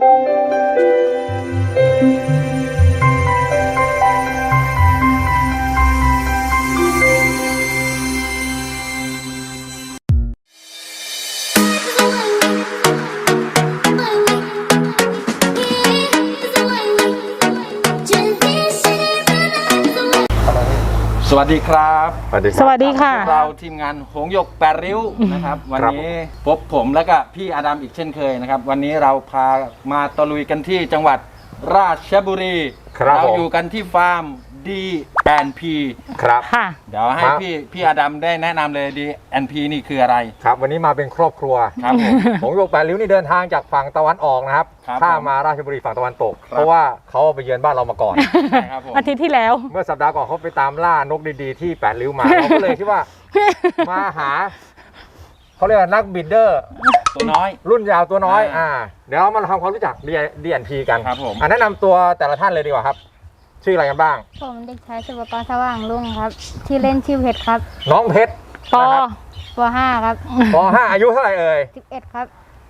สวัสดีครับสวัสดีค่ะเราทีมงานหงหยก8 ริ้วนะครับวันนี้พบผมและก็พี่อาดัมอีกเช่นเคยนะครับวันนี้เราพามาตะลุยกันที่จังหวัดราชบุรีเราอยู่กันที่ฟาร์ม D&P ครับค่ะเดี๋ยวให้พี่อาดัมได้แนะนำเลย D&P นี่คืออะไรครับวันนี้มาเป็นครอบครัวครับหงหยก8 ริ้วนี่เดินทางจากฝั่งตะวันออกนะครับข้ามมาราชบุรีฝั่งตะวันตกเพราะว่าเขาไปเยือนบ้านเรามาก่อนอาทิตย์ที่แล้วเมื่อสัปดาห์ก่อนเขาไปตามล่านกดีๆที่8 ริ้วมาเราก็เลยคิดว่ามาหาเขาเรียกว่านักบิดเดอร์ตัวน้อยรุ่นยาวตัวน้อยเดี๋ยวเรามาทำความรู้จัก D&P กันครับผมแนะนำตัวแต่ละท่านเลยดีกว่าครับชื่ออะไรกันบ้างผมเด็กชายสุภกรสว่างรุ่งครับที่เล่นชื่อเพชรครับน้องเพชรป.5 ครับป.5 อายุเท่าไหร่เอ่ย 11ครับ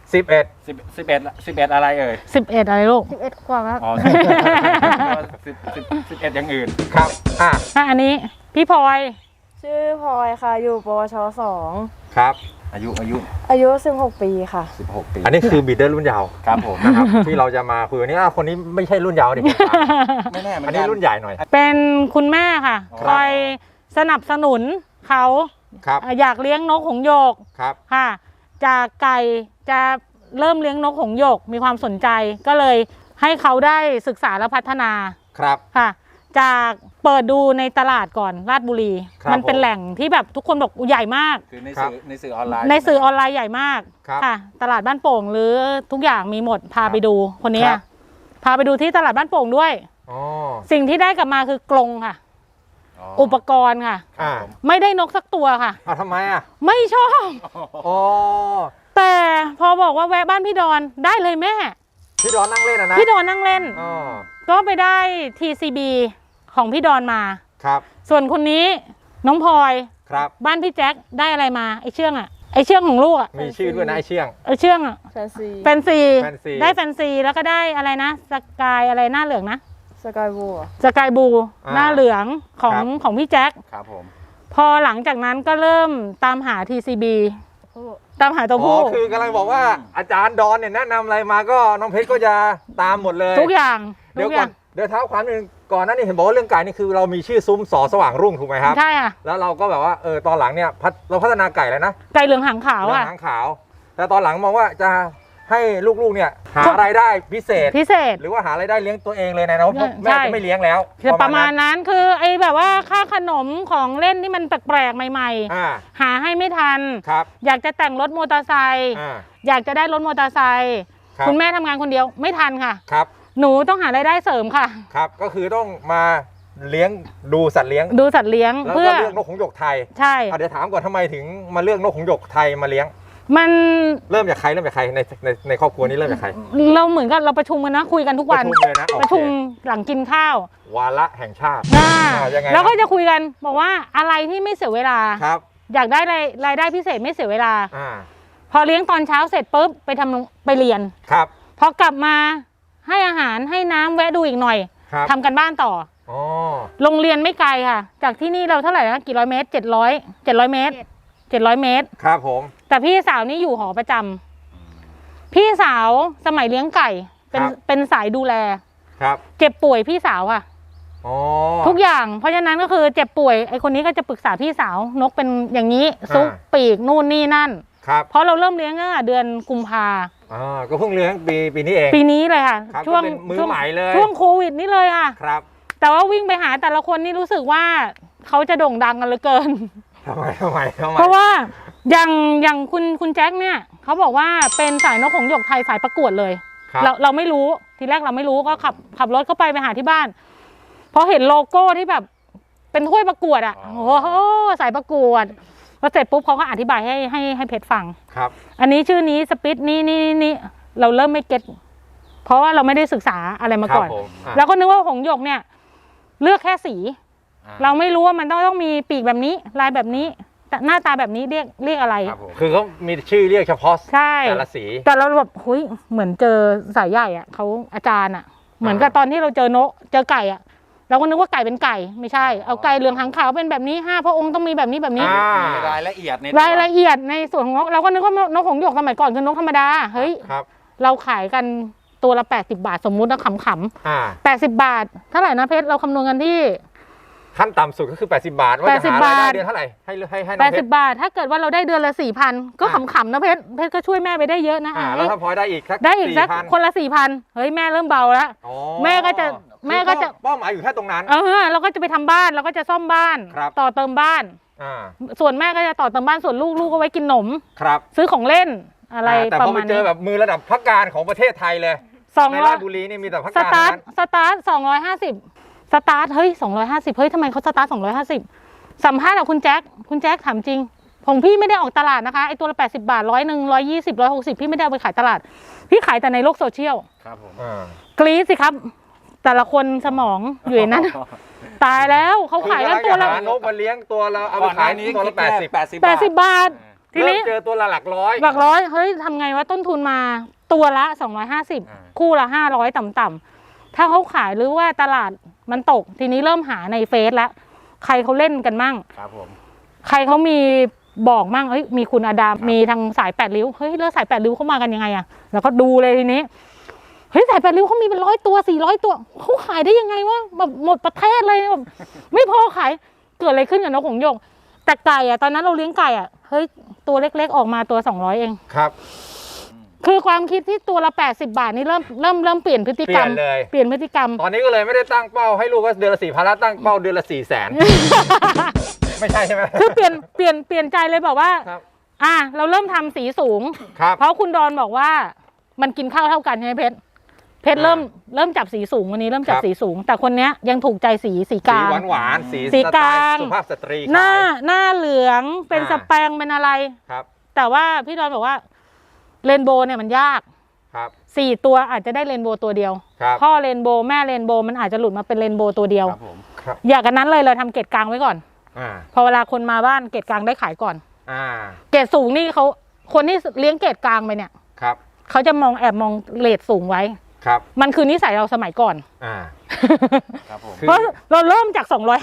11อะไรเอ่ย 11อะไรลูก 11กว่าครับอ๋อ11อย่างอื่นครับอันนี้พี่พลอยชื่อพลอยค่ะอยู่ปวช2 ครับอายุ 16 ปีค่ะ 16 ปีอันนี้คือบีดเดอร์รุ่นยาวครับผมนะครับที่เราจะมาคุยวันนี้คนนี้ไม่ใช่รุ่นยาวดิไม่แน่อันนี้รุ่นใหญ่หน่อยเป็นคุณแม่ค่ะคอยสนับสนุนเขาอยากเลี้ยงนกหงส์หยกค่ะจากไก่จะเริ่มเลี้ยงนกหงส์หยกมีความสนใจก็เลยให้เขาได้ศึกษาและพัฒนาครับค่ะจากเปิดดูในตลาดก่อนราชบุรีมันเป็นแหล่งที่แบบทุกคนบอกใหญ่มากคือในสื่อออนไลน์ใหญ่มากค่ะตลาดบ้านโป่งหรือทุกอย่างมีหมดพาไปดูคนนี้พาไปดูที่ตลาดบ้านโป่งด้วยสิ่งที่ได้กลับมาคือกรงค่ะอุปกรณ์ค่ะไม่ได้นกสักตัวค่ะทำไมไม่ชอบแต่พอบอกว่าแวะบ้านพี่ดอนได้เลยแม่พี่ดอนนั่งเล่นนะพี่ดอนนั่งเล่นก็ไปได้ TCB ของพี่ดอนมาครับส่วนคนนี้น้องพลอยครับบ้านพี่แจ็คได้อะไรมาไอเชื่องไอเชื่องของลูกมีชื่อด้วยนะไอเชื่องแฟนซีได้แฟนซีแล้วก็ได้อะไรนะสกายอะไรหน้าเหลืองนะสกายบูหน้าเหลืองของพี่แจ็คครับผมพอหลังจากนั้นก็เริ่มตามหา TCB ตามหาตัวผู้คือกำลังบอกว่าอาจารย์ดอนเนี่ยแนะนำอะไรมาก็น้องเพชรก็จะตามหมดเลยทุกอย่างเดี๋ยวก่อนเดี๋ยวเท้าความนึงก่อนหน้านี้เห็นบอกว่าเรื่องไก่นี่คือเรามีชื่อซุ้มสอสว่างรุ่งถูกไหมครับใช่ค่ะแล้วเราก็แบบว่าตอนหลังเนี่ยเราพัฒนาไก่แล้วนะไก่เหลืองหางขาวหางขาวแต่ตอนหลังมองว่าจะให้ลูกๆเนี่ยหารายได้พิเศษหรือว่าหารายได้เลี้ยงตัวเองเลยนะเพราะแม่จะไม่เลี้ยงแล้วประมาณนั้นคือไอ้แบบว่าค่าขนมของเล่นที่มันแปลกๆใหม่ๆหาให้ไม่ทันอยากจะแต่งรถมอเตอร์ไซค์อยากจะได้รถมอเตอร์ไซค์คุณแม่ทำงานคนเดียวไม่ทันค่ะหนูต้องหารายได้เสริมค่ะครับก็คือต้องมาเลี้ยงดูสัตว์เลี้ยงเพื่อเลือกนกหงส์หยกไทยใช่เดี๋ยวถามก่อนทำไมถึงมาเลือกนกหงส์หยกไทยมาเลี้ยงมันเริ่มจากใครในครอบครัวนี้เริ่มจากใครเราเหมือนกับเราประชุมกันนะคุยกันทุกวันประชุมหลังกินข้าววาระแห่งชาติแล้วก็จะคุยกันบอกว่าอะไรที่ไม่เสียเวลาอยากได้รายได้พิเศษไม่เสียเวลาพอเลี้ยงตอนเช้าเสร็จปุ๊บไปเรียนพอกลับมาให้อาหารให้น้ำแวะดูอีกหน่อยทำกันบ้านต่อโรงเรียนไม่ไกลค่ะจากที่นี่เราเท่าไหร่นะกี่ร้อยเมตร700 เมตรครับผมแต่พี่สาวนี่อยู่หอประจำพี่สาวสมัยเลี้ยงไก่เป็นสายดูแลเจ็บป่วยพี่สาวค่ะทุกอย่างเพราะฉะนั้นก็คือเจ็บป่วยไอคนนี้ก็จะปรึกษาพี่สาวนกเป็นอย่างนี้ซุกปีกนู่นนี่นั่นเพราะเราเริ่มเลี้ยงตั้งแต่เดือนกุมภาก็เพิ่งเลี้ยงปีนี้เองปีนี้เลยค่ะช่วงมือใหม่เลยช่วงโควิดนี่เลยค่ะแต่ว่าวิ่งไปหาแต่ละคนนี่รู้สึกว่าเขาจะโด่งดังกันเหลือเกินทำไมเพราะว่าอย่างคุณแจ็คเนี่ยเขาบอกว่าเป็นสายนกหงส์หยกไทยสายประกวดเลยเราไม่รู้ทีแรกเราไม่รู้ก็ขับรถเข้าไปหาที่บ้านพอเห็นโลโก้ที่แบบเป็นถ้วยประกวดโอ้โหสายประกวดพอเสร็จปุ๊บเขาก็อธิบายให้เพชรฟังอันนี้ชื่อนี้สปิตนี่เราเริ่มไม่เก็ตเพราะว่าเราไม่ได้ศึกษาอะไรมาก่อนแล้วก็นึกว่าหงส์หยกเนี่ยเลือกแค่สีเราไม่รู้ว่ามันต้องมีปีกแบบนี้ลายแบบนี้หน้าตาแบบนี้เรียกอะไรครับผมคือเขามีชื่อเรียกเฉพาะใช่แต่ละสีแต่เราแบบเฮ้ยเหมือนเจอสายใหญ่อะเขาอาจารย์อะเหมือนกับตอนที่เราเจอนกเจอไก่อะเราก็นึกว่าไก่เป็นไก่ไม่ใช่เอาไก่เหลืองหางขาวเป็นแบบนี้5 พระองค์ต้องมีแบบนี้แบบนี้มีรายละเอียดในรายละเอียดในส่วนของนกเราก็นึกว่านกหงส์หยกสมัยก่อนคือนกธรรมดาเฮ้ยครับเราขายกันตัวละ80 บาทสมมุตินะขำๆ80 บาทเท่าไหร่นะเพชรเราคำนวณกันที่ขั้นต่ำสุดก็คือ80 บาทว่าจะหารายได้เดือนเท่าไหร่ให้น้องเพชร 80 บาท ถ้าเกิดว่าเราได้เดือนละ 4,000 ก็ขำๆนะเพชรก็ช่วยแม่ไปได้เยอะนะแล้วถ้าพอได้อีกสักได้อีกสัก 4,000 คนละ 4,000 เฮ้ยแม่เริ่มเบาแล้วอ๋อแม่ก็จะเป้าหมายอยู่แค่ตรงนั้นเราก็จะไปทำบ้านเราก็จะซ่อมบ้านครับต่อเติมบ้าน ส่วนแม่ก็จะต่อเติมบ้านส่วนลูกก็ไว้กินขนมครับซื้อของเล่นอะไรแต่ปพอระไปมาณเจนี้อแบบมือระดับพักการของประเทศไทยเลยในราชบุรีนี่มีแต่พักสการตาร์ทนั้นสตาร์ท250สตาร์ทเฮ้ย250เฮ้ยทำไมเขาสตาร์ท250สัมภาษณ์กับคุณแจ็คถามจริงของพี่ไม่ได้ออกตลาดนะคะไอตัวละ80 บาท100 120 160พี่ไม่ได้เอาไปขายตลาดพี่ขายแต่ในโลกโซเชียลครับผมกรี๊ดสิครับแต่ละคนสมองอยู่ในนั้น ตายแล้วเขาขายกันตัวละหานกมาเลี้ยงตัวเราเอาไปก่อนหขาน้าย นี้ตัวละ 80 80 บาททีเริ่มนี้เจอตัวละหลักร้อยหลักร้อยเฮ้ยทำไงว่าต้นทุนมาตัวละ250คู่ละ500ต่ำๆถ้าเขาขายหรือว่าตลาดมันตกทีนี้เริ่มหาในเฟซแล้วใครเขาเล่นกันมั่งครับผมใครเขามีบอกมั่งเฮ้ยมีคุณอาดามมีทางสาย8 ริ้วเฮ้ยแล้วสาย8 ริ้วเขามากันยังไงอะแล้วก็ดูเลยทีนี้เฮ้ยสาย8 ริ้วเขามีเป็น100 ตัว400 ตัวเขาขายได้ยังไงวะแบบหมดประเทศเลยแบบไม่พอขายเกิดอะไรขึ้นกับนกหงส์หยกแต่ไก่อะตอนนั้นเราเลี้ยงไก่อะเฮ้ยตัวเล็กๆออกมาตัว200เองครับคือความคิดที่ตัวละ80 บาทนี่เริ่มเปลี่ยนพฤติกรรม เปลี่ยนพฤติกรรมตอนนี้ก็เลยไม่ได้ตั้งเป้าให้ลูกว่าเดือนละ4,000แล้วตั้งเป้าเดือนละ400,000 ไม่ใช่ใช่ไหมคือเปลี่ยนใจเลยบอกว่าครับเราเริ่มทำสีสูงครับเพราะคุณดอนบอกว่ามันกินข้าวเท่ากันใช่ไหมเพชรเริ่มจับสีสูงวันนี้เริ่มจับสีสูง แต่คนเนี้ยยังถูกใจสีกสีลางหวานๆสีสีสกไตลางล์สุภาพสตรีหน้าขายหน้าเหลืองเป็นสแปงเป็นอะไรครับแต่ว่าพี่ดอนบอกว่าเรนโบว์เนี่ยมันยากครับ 4 ตัวอาจจะได้เรนโบว์ตัวเดียวครับพ่อเรนโบว์แม่เรนโบว์มันอาจจะหลุดมาเป็นเรนโบว์ตัวเดียวครับผมครับอย่างนั้นเลยเราทำเกรดกลางไว้ก่อนอ่าพอเวลาคนมาบ้านเกรดกลางได้ขายก่อนอ่าเกรดสูงนี่เขาคนที่เลี้ยงเกรดกลางไปเนี่ยครับเขาจะแอบมองเรทสูงไว้ครับมันคือนิสัยเราสมัยก่อนอ่าครับผมคือเพราะเราเริ่มจาก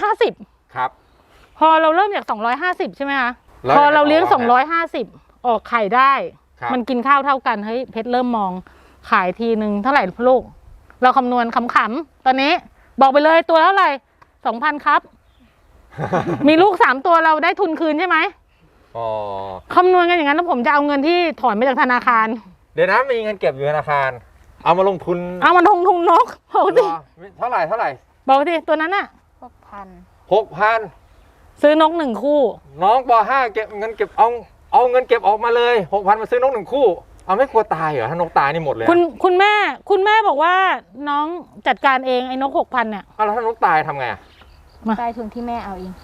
250 ครับพอเราเริ่มจาก 250 ใช่ไหมคะแล้วพอเราเลี้ยงยังไงต่อฮะ 250 ออกไข่ได้ครับมันกินข้าวเท่ากันเฮ้ยเพชรเริ่มมองขายทีนึงเท่าไหร่ลูกเราคำนวณขำๆตอนนี้บอกไปเลยตัวเท่าไหร่ 2,000 ครับ มีลูก 3 ตัวเราได้ทุนคืนใช่ไหมอ๋อคำนวณกันอย่างนั้นแล้วผมจะเอาเงินที่ถอนมาจากธนาคารเดี๋ยวนะมีเงินเก็บอยู่ธนาคาร เอามาลงทุนเอามันทุงนกบอกเหรสิอเท่าไหร่บอกสิตัวนั้นอะ 6,000 6,000 ซื้อนก1 คู่น้องป .5 เก็บเงินเก็บเอาเงินเก็บออกมาเลย 6,000 มาซื้อนก1 คู่เอาไม่กลัวตายเหรอถ้านกตายนี่หมดเลยคุณแม่บอกว่าน้องจัดการเองไอ้นก 6,000เนี่ยเอาแล้วถ้านกตายทำไงอะมาได้ทุนที่แม่เอาเอง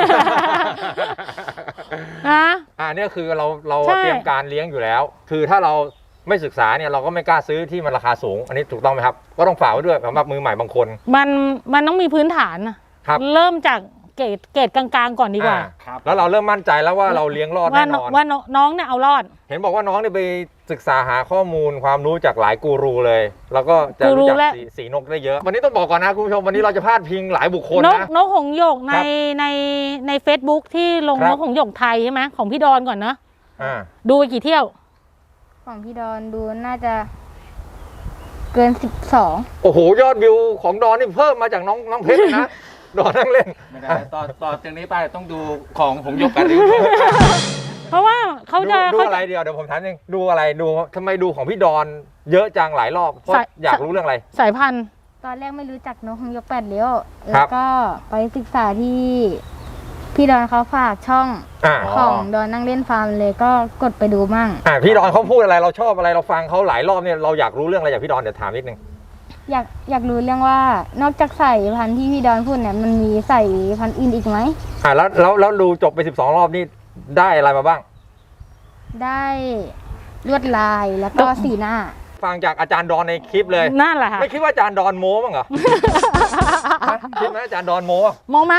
นะเนี่ยคือเราใช่เตรียมการเลี้ยงอยู่แล้ว คือถ้าเราไม่ศึกษาเนี่ยเราก็ไม่กล้าซื้อที่มันราคาสูง อันนี้ถูกต้องไหมครับ ก็ต้องฝากไว้ด้วยสำหรับมือใหม่บางคนมันต้องมีพื้นฐานนะครับ เริ่มจากเกรดกลางๆก่อนดีกว่าครับแล้วเราเริ่มมั่นใจแล้วว่าเราเลี้ยงรอดว่าแน่นอนว่าน้องเนี่ยเอารอดเห็นบอกว่าน้องเนี่ยไปศึกษาหาข้อมูลความรู้จากหลายกูรูเลย แล้วก็จะกูรูรู้จักและสีนกได้เยอะ วันนี้ต้องบอกก่อนนะคุณผู้ชมวันนี้เราจะพาดพิงหลายบุคคลนกนะนกหงส์หยกในครับใน Facebook ที่ลงครับนกหงส์หยกไทยใช่ไหมของพี่ดอนก่อนเนอะอ่าดูไปกี่เที่ยวของพี่ดอนดูน่าจะเกิน 12 โอ้โหยอดวิวของดอนนี่เพิ่มมาจากน้องเพชรเลยนะ ดอนนั่งเล่นไม่ได้ต่อจากนี้ไปต้องดูของหงส์หยกกันริ้วเพราะว่าเขาจะดูเขาอะไรเดียวเดี๋ยวผมถามเองดูอะไรดูทำไมดูของพี่ดอนเยอะจังหลายรอบเพราะอยากรู้เรื่องอะไรสายพันธุ์ตอนแรกไม่รู้จักนกหงส์หยก8 ริ้วคแล้รัวบก็ไปศึกษาที่พี่ดอนเขาฝากช่องอ่าของดอนนั่งเล่นฟาร์มเลยก็กดไปดูมั่งพี่ดอนเขาพูดอะไรเราชอบอะไรเราฟังเขาหลายรอบเนี่ยเราอยากรู้เรื่องอะไรจากพี่ดอนเดี๋ยวถามนิดนึงอยากรู้เรื่องว่านอกจากสายพันธุ์ที่พี่ดอนพูดเนี่ยมันมีสายพันธุ์อื่นอีกไหมแล้วดูจบไป12รอบนี่ได้อะไรมาบ้างได้ลวดลายแล้วก็สีหน้าฟังจากอาจารย์ดอนในคลิปเลยนั่นแหละค่ะไม่คิดว่าอาจารย์ดอนโม้บ้างเหรอ ฮะคิดไหมอาจารย์ดอนโม้มองมา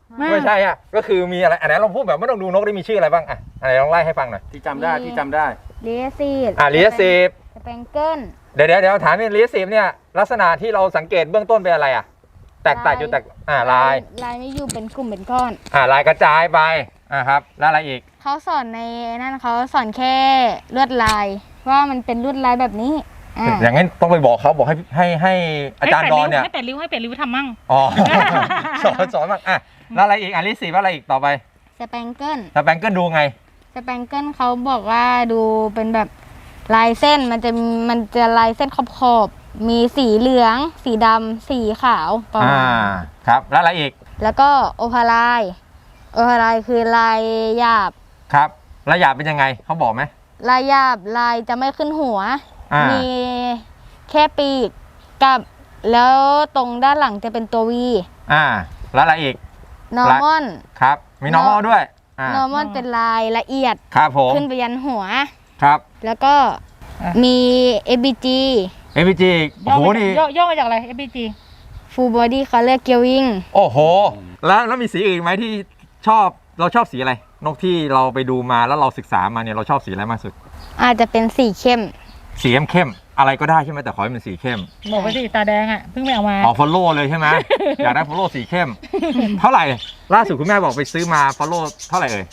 ไม่ใช่อ่ะก็คือมีอะไรอันไหนลองพูดแบบไม่ต้องดูนกได้มีชื่ออะไรบ้างอ่ะอะไรลองไล่ให้ฟังหน่อยที่จำได้ที่จำได้เลียซีดเลียซีฟสแปงเกิลเดี๋ยวถามนี่เลียซีฟเนี่ยลักษณะที่เราสังเกตเบื้องต้นเป็นอะไรอ่ะแตกต่างอยู่แตกลายลายไม่อยู่เป็นกลุ่มเป็นก้อนลายกระจายไปครับแล้วอะไรอีกเขาสอนในนั่นเขาสอนแค่ลวดลายว่ามันเป็นลวดลายแบบนี้อ่าอย่างนั้นต้องไปบอกเขาบอกให้อาจารย์ดอนเนี่ยให้เป็ดริ้วทำมั่งอ๋อ สอนบ้างแล้วอะไรอีกเลียซีฟอะไรอีกต่อไปสแปงเกิลสแปงเกิลดูไงสแปงเกิลเขาบอกว่าดูเป็นแบบลายเส้นมันจะลายเส้นขอบๆมีสีเหลือง สีดำสีขาวประมาณครับแล้วอะไรอีกแล้วก็โอพาลายคือลายหยาบครับแล้วหยาบเป็นยังไงเขาบอกไหมลายหยาบลายจะไม่ขึ้นหัวมีมีแค่ปีกกับแล้วตรงด้านหลังจะเป็นตัววีแล้วอะไรอีกนอร์มอนครับมี normal ด้วยนอร์มอนเป็นลายละเอียดครับผมขึ้นไปยันหัวครับแล้วก็มี ABG MPG โอ้โหนี่ย่อมาจากอะไร FBG Full Body Color Gearing โอ้โหแล้วมีสีอื่นไหมที่เราชอบสีอะไรนกที่เราไปดูมาแล้วเราศึกษามาเนี่ยเราชอบสีอะไรมากสุดอาจจะเป็นสีเข้มสีเข้มอะไรก็ได้ใช่ไหมแต่ขอให้เป็นสีเข้มบอกไปสิตาแดงอ่ะเพิ่งไปเอามาฟอลโล่เลยใช่ไหม อยากได้ฟอลโล่สีเข้ม เท่าไหร่ล่าสุดคุณแม่บอกไปซื้อมาฟอลโล่เท่าไหร่เอ่ย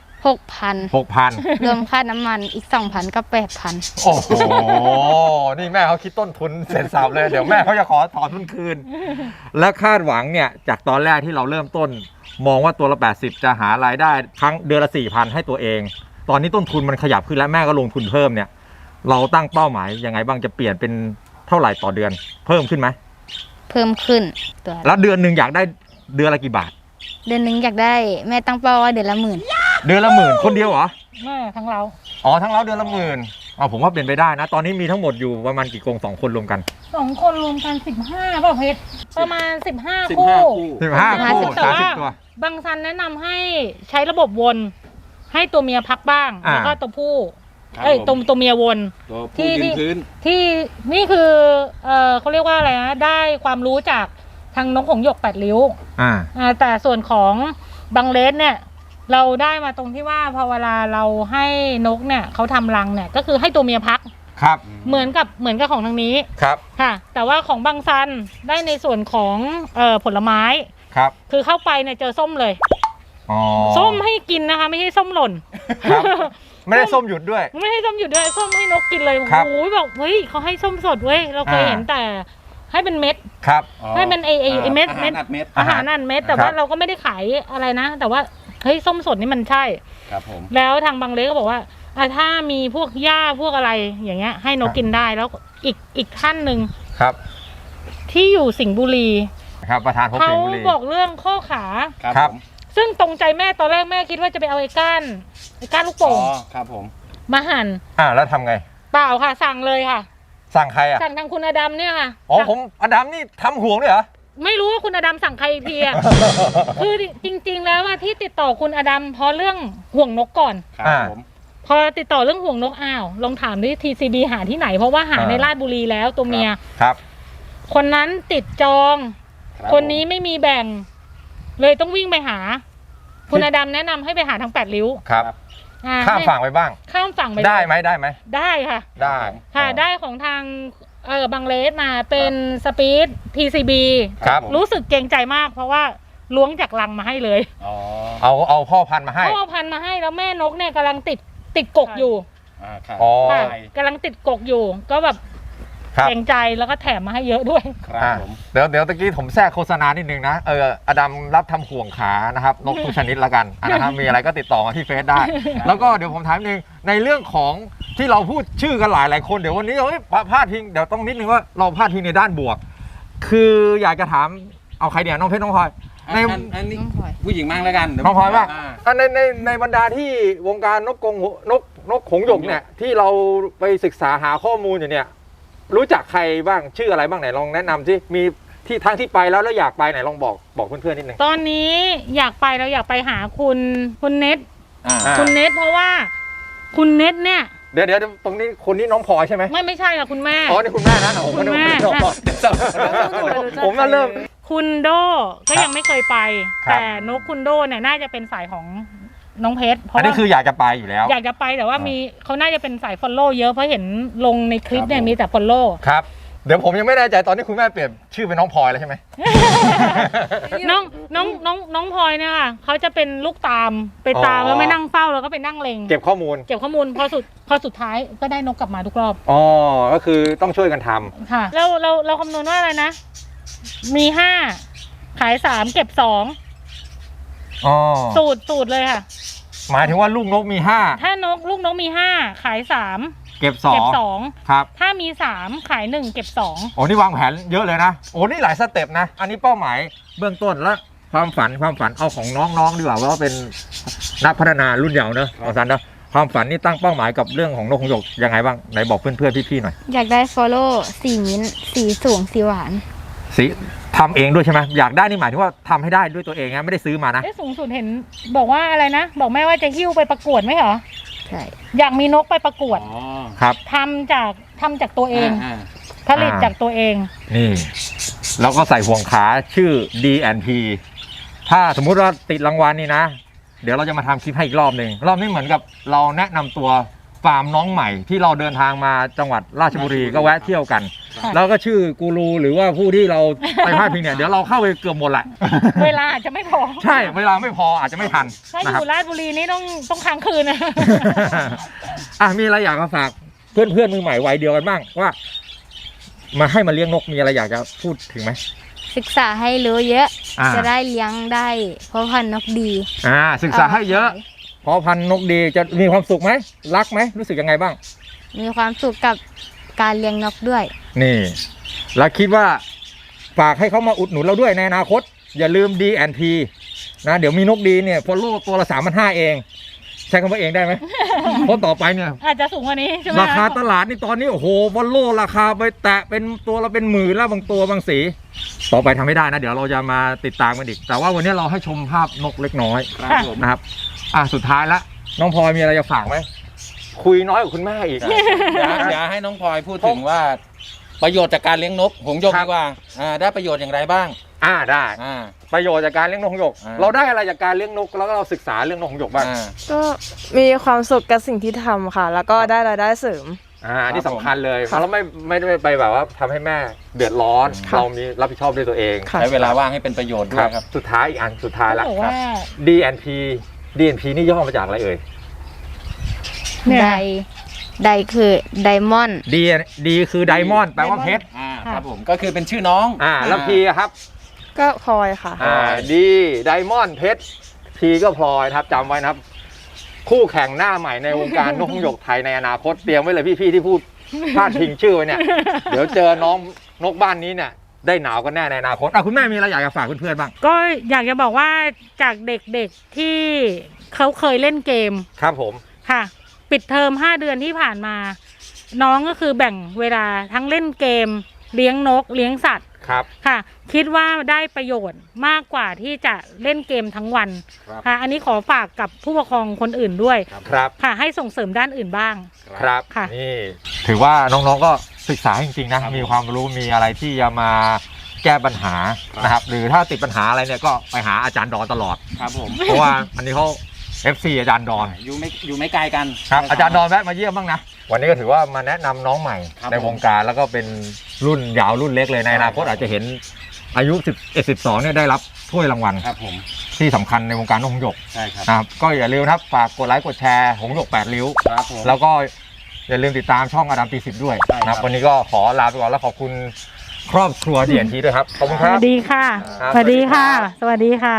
6,000 6,000 รวมค่าน้ำมันอีก 2,000 ก็ 8,000 โอ้โห นี่แม่เขาคิดต้นทุนเสร็จสับเลย เดี๋ยวแม่เขาจะขอถอนทุนคืน และคาดหวังเนี่ย จากตอนแรกที่เราเริ่มต้น มองว่าตัวละ80จะหารายได้ครั้งเดือนละ 4,000 ให้ตัวเอง ตอนนี้ต้นทุนมันขยับขึ้นแล้วแม่ก็ลงทุนเพิ่มเนี่ย เราตั้งเป้าหมายยังไงบ้างจะเปลี่ยนเป็นเท่าไหร่ต่อเดือน เพิ่มขึ้นไหมเพิ่มขึ้นตัวแล้วเดือนหนึ่งอยากได้เดือนละกี่บาทเดือนหนึงอยากได้แม่ตั้งเป้าว่าเดือนละ10,000 เดือนละ10,000คนเดียวเหรอทั้งเราอ๋อทั้งเราเดือนละ10,000ผมว่าเป็นไปได้นะ ตอนนี้มีทั้งหมดอยู่ประมาณกี่กรง2 คนรวมกัน 2 คนรวมกัน 15ป่ะเพชรประมาณ 15 15 คู่คู่ 15 คู่แต่ว่า 30 ตัวบางซันแนะนำให้ใช้ระบบวนให้ตัวเมียพักบ้าง แล้วก็ตัวผู้ครับเอ้ยผมตัวเมียวนตัวผู้ยืนพื้นที่นี่คือเขาเรียกว่าอะไรนะได้ความรู้จากทางนกหงส์หยก8ริ้ว แต่ส่วนของบังเลสเนี่ยเราได้มาตรงที่ว่าพอเวลาเราให้นกเนี่ยเขาทำรังเนี่ยก็คือให้ตัวเมียพักครับเหมือนกับของทางนี้ครับค่ะ แต่ว่าของบางซันได้ในส่วนของผลไม้ครับคือเข้าไปเนี่ยเจอส้มเลยอ๋อส้มให้กินนะคะไม่ใช่ส้มหล่นครับ ไม่ได้ส้มหยุดด้วยไม่ให้ส้มหยุดด้วยส้มให้นกกินเลยครับโอ้ยบอกเฮ้ยเขาให้ส้มสดเว้ยเราเคยเห็นแต่ให้เป็นเม็ดครับให้เป็นไอเม็ดอาหารอัดเม็ดอาหารนั่นเม็ดแต่ครับว่าเราก็ไม่ได้ขายอะไรนะ แต่ว่าเฮ้ยส้มสดนี่มันใช่ครับผมแล้วทางบางเล็กก็บอกว่าถ้ามีพวกหญ้าพวกอะไรอย่างเงี้ยให้นกกินได้แล้วอีกท่านหนึ่งครับที่อยู่สิงห์บุรีครับประธานพบเขาสิงห์บุรีบอกเรื่องข้อขาครับครับผมซึ่งตรงใจแม่ตอนแรกแม่คิดว่าจะไปเอาไอ้ก้านลูกอ๋อโป่งครับผมมาหั่นแล้วทำไงเปล่าค่ะ สั่งเลยค่ะสั่งใครอ่ะสั่งทางคุณอดัมเนี่ยค่ะอ๋อผมอดัมนี่ทำห่วงด้วยเหรอไม่รู้ว่าคุณอดัมสั่งใครอีกทีอะ คือจริง ๆ แล้วว่าที่ติดต่อคุณอดัมเพราะเรื่องห่วงนกก่อนครับผมพอติดต่อเรื่องห่วงนกอ้าวลองถามดิ TCB หาที่ไหนเพราะว่าหาในราชบุรีแล้วตัวเมียครับคนนั้นติดจองครับคนนี้ไม่มีแบ่ง เลยต้องวิ่งไปหา คุณอดัมแนะนำให้ไปหาทาง8ริ้วครับ ข้ามฝั่งไปบ้างข้ามฝั่งไปได้ไหมได้ค่ะได้ค่ะได้ของทางบางเลสมาเป็นสปีด TCB ครับผมรู้สึกเกรงใจมาก เพราะว่าล้วงจากลังมาให้เลยอ๋อเอาพ่อพันธุ์มาให้พ่อพันธุ์มาให้แล้วแม่นกเนี่ยกำลังติดกกอยู่ครับอ๋อค่ะกำลังติดกกอยู่ ก็แบบครับเกรงใจแล้วก็แถมมาให้เยอะด้วยครับผมเดี๋ยวตะกี้ผมแทรกโฆษณานิดนึงนะอดัมรับทำห่วงขานะครับนกทุกชนิดละกันนะครับมีอะไรก็ติดต่อมาที่เฟซได้ แล้วก็เดี๋ยวผมถามนึงในเรื่องของที่เราพูดชื่อกันหลายคนเดี๋ยววันนี้พลาดทิ้งเดี๋ยวต้องนิดนึงว่าเราพลาดทิ้งในด้านบวก คืออยากจะถามเอาใครเดี๋ยวน้องเพชรน้องพลอยในอันนี้ผู้หญิงมั่งแล้วกันเดี๋ยวน้องพลอยป่ะาในบรรดาที่วงการนกหงส์หยกเนี่ยที่เราไปศึกษาหาข้อมูลอยู่เนี่ยรู้จักใครบ้างชื่ออะไรบ้างไหนลองแนะนำสิมีที่ทั้งที่ไปแล้วอยากไปไหนลองบอกเพื่อนๆนิดนึงตอนนี้อยากไปเราอยากไปหาคุณเน็ตอ่าคุณเน็ตเพราะว่าคุณเน็ตเนี่ยเดี๋ยวตรงนี้คนนี้น้องพลอยใช่ไหมไม่ใช่ค่ะคุณแม่อ๋อนี่คุณแม่นะผมคุณแม่ผมมาเริ่มคุณโดก็ครับยังไม่เคยไปครับแต่นกคุณโดเนี่ยน่าจะเป็นสายของน้องเพชรเพอันราะนี้ว่าคืออยากจะไปอยู่แล้วอยากจะไปแต่ว่ามีเขาน่าจะเป็นสายฟอลโล่เยอะเพราะเห็นลงในคลิปเนี่ยมีแต่ฟอลโล่ครับ เดี๋ยวผมยังไม่แน่ใจตอนนี้คุณแม่เปลี่ยนชื่อเป็นน้องพลอยแล้วใช่ไหมน้องพลอยเนี่ยค่ะเขาจะเป็นลูกตามไปตามอ๋อแล้วไม่นั่งเฝ้าแล้วก็ไปนั่งเลงเก็บข้อมูลเก็บข้อมูลพอสุดท้ายก็ได้นกกลับมาทุกรอบอ๋อ ก็คือต้องช่วยกันทำค่ะเราคำนวณว่าอะไรนะ มี5ขาย3เก็บ2 อ๋อสูตรเลยค่ะหมายถึงว่าลูกนกมีถ้ลูกนกมี5ขาย3 5 เก็บเก็บ 2 ครับ 2ถ้ามี3ขาย1เก็บ2 โอ้นี่วางแผนเยอะเลยนะ โอ้นี่หลายสเต็ปนะ อันนี้เป้าหมายเบื้องต้นและความฝันเอาของน้องๆดีกว่าว่าเป็นนักพัฒนารุ่นเยาว์เนอะอาจารย์นะความฝันนี่ตั้งเป้าหมายกับเรื่องของนกหงส์หยกยังไงบ้างไหนบอกเพื่อนๆพี่ๆหน่อยอยากได้ฟอลโล่สีมิ้นท์สีสูงสีหวานสีทำเองด้วยใช่ไหมอยากได้นี่หมายถึงว่าทำให้ได้ด้วยตัวเองนะไม่ได้ซื้อมานะสูงสุดเห็นบอกว่าอะไรนะ บอกแม่ว่าจะหิ้วไปประกวดไหมเหรอใช่อยากมีนกไปประกวดอ๋อครับทำจากตัวเองอ่าผลิตจากตัวเองนี่แล้วก็ใส่ห่วงขาชื่อ D&P ถ้าสมมุติว่าติดรางวัลนี่นะ เดี๋ยวเราจะมาทำคลิปให้อีกรอบหนึ่งรอบนี้เหมือนกับเราแนะนำตัวฟาร์มน้องใหม่ที่เราเดินทางมาจังหวัดราชบุรีก็แวะเที่ยวกันค่ะแล้วก็ชื่อกูรูหรือว่าผู้ที่เราไปพาดพิงเนี่ยเดี๋ยวเราเข้าไปเกือบหมดแหละเวลาอาจจะไม่พอใช่เวลาไม่พออาจจะไม่ทันถ้าอนะครับยู่ราชบุรีนี่ต้องค้างคืนนะอ่ะมีอะไรอยากมาฝากเพื่อนมือใหม่วัยเดียวกันบ้างว่า มาให้มาเลี้ยงนกมีอะไรอยากจะพูดถึงไหมศึกษาให้รู้เยอะอ่าจะได้เลี้ยงได้เพราะพันธุ์นกดีศึกษาให้เยอะเพราะพันธุ์นกดีจะมีความสุขไหมรักไหมรู้สึกยังไงบ้างมีความสุขกับการเลี้ยงนกด้วยนี่แล้วคิดว่าฝากให้เขามาอุดหนุนเราด้วยในอนาคต อย่าลืม D&P นะเดี๋ยวมีนกดีเนี่ยพอโลตัวละ3,500เองใช้คำว่าเองได้ไหม เพราะต่อไปเนี่ยอาจจะสูงกว่านี้ใช่ไหมราคาตลาดนี่ตอนนี้โอ้โหวอลโลราคาไปแตะเป็นตัวละเป็นหมื่นแล้วบางตัวบางสี ต่อไปทำไม่ได้นะ เดี๋ยวเราจะมาติดตามกันอีก แต่ว่าวันนี้เราให้ชมภาพนกเล็กน้อยครับผมนะครับสุดท้ายละน้องพลอยมีอะไรจะฝากไหมคุยน้อยกว่าคุณแม่อีกเดี๋ยวให้น้องพลอยพูดถึงว่า ประโยชน์จากการเลี้ยงนกหงส์หยกครับดีกว่าได้ประโยชน์อย่างไรบ้างได้อ่าประโยชน์จากการเลี้ยงนกหงส์หยก เราได้อะไรจากการเลี้ยงนกแล้วก็เราศึกษาเรื่องนกหงส์หยกบ้างก็มีความสุขกับสิ่งที่ทำค่ะ แล้วก็ได้รายได้เสริมอันนี้สำคัญเลยค่ะเราไม่ได้ไปแบบว่าทำให้แม่เดือดร้อนค่ะเรามีรับผิดชอบด้วยตัวเองค่ะใช้เวลาว่างให้เป็นประโยชน์ด้วยครับสุดท้ายอีกอันสุดท้ายละเขาบอกว่า D&P นี่ย่อมาจากอะไรเอ่ยเนี่ยไดคือไดมอนด์ D คือไดมอนด์แปลว่าเพชรครับผมก็คือเป็นชื่อน้องแล้ว P อะครับก็พลอยค่ะ D ไดมอนด์เพชร P ก็พลอยนะครับจำไว้นะครับ คู่แข่งหน้าใหม่ในวงการนกหงส์หยกไทยในอนาคตเตรียมไว้เลยพี่ๆที่พูดพลาดพิงชื่อไว้เนี่ย เดี๋ยวเจอน้องนกบ้านนี้เนี่ยได้หนาวกันแน่ในอนาคตคุณแม่มีอะไรอยากจะฝากเพื่อนๆบ้างก็อยากจะบอกว่าจากเด็กๆที่เขาเคยเล่นเกมครับผมค่ะ ปิดเทอม5 เดือนที่ผ่านมา น้องก็คือแบ่งเวลาทั้งเล่นเกม เลี้ยงนกเลี้ยงสัตว์ครับค่ะ คิดว่าได้ประโยชน์มากกว่าที่จะเล่นเกมทั้งวันครับค่ะ อันนี้ขอฝากกับผู้ปกครองคนอื่นด้วยครับค่ะ ให้ส่งเสริมด้านอื่นบ้างครับค่ะนี่ถือว่าน้องๆก็ศึกษาจริงๆนะครับ มีความรู้มีอะไรที่จะมาแก้ปัญหาครับนะครับหรือถ้าติดปัญหาอะไรเนี่ยก็ไปหาอาจารย์ดอนตลอดครับผมเพราะว่าอันนี้เขา FC อาจารย์ดอนอยู่ไม่ไกลกันครับอาจารย์ดอนแวะมาเยี่ยมบ้างนะ วันนี้ก็ถือว่ามาแนะนำน้องใหม่ครับในวงการแล้วก็เป็นรุ่นยาวรุ่นเล็กเลยในอนาคตอาจจะเห็นอายุ11-12เนี่ยได้รับถ้วยรางวัลครับผมที่สำคัญในวงการนกหงส์หยกใช่ครับนะครับก็อย่าลืมนะครับฝากกดไลค์กดแชร์หงส์หยก8ริ้วครับผมแล้วก็อย่าลืมติดตามช่องอดัมตี10ด้วยใช่ครับนะครับวันนี้ก็ขอลาไปก่อนแล้วขอบคุณครอบครัว D&P ด้วยครับขอบคุณสครับวัสดีค่ะครับสวัสดีค่ะ สวัสดีค่ะ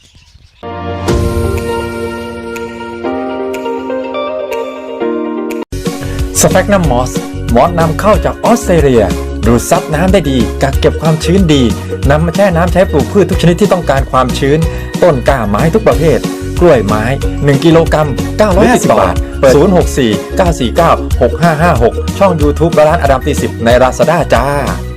สแฟกนัมมอสนำเข้าจากออสเตรเลีย ดูดซับน้ำได้ดีกักเก็บความชื้นดีนำมาแช่น้ำใช้ปลูกพืชทุกชนิดที่ต้องการความชื้น ต้นกล้าไม้ทุกประเภท กล้วยไม้ 1 กิโลกรัม 950 บาท 064 949 6556 ช่อง YouTube ร้านอดัมตี10ใน Lazada จ้า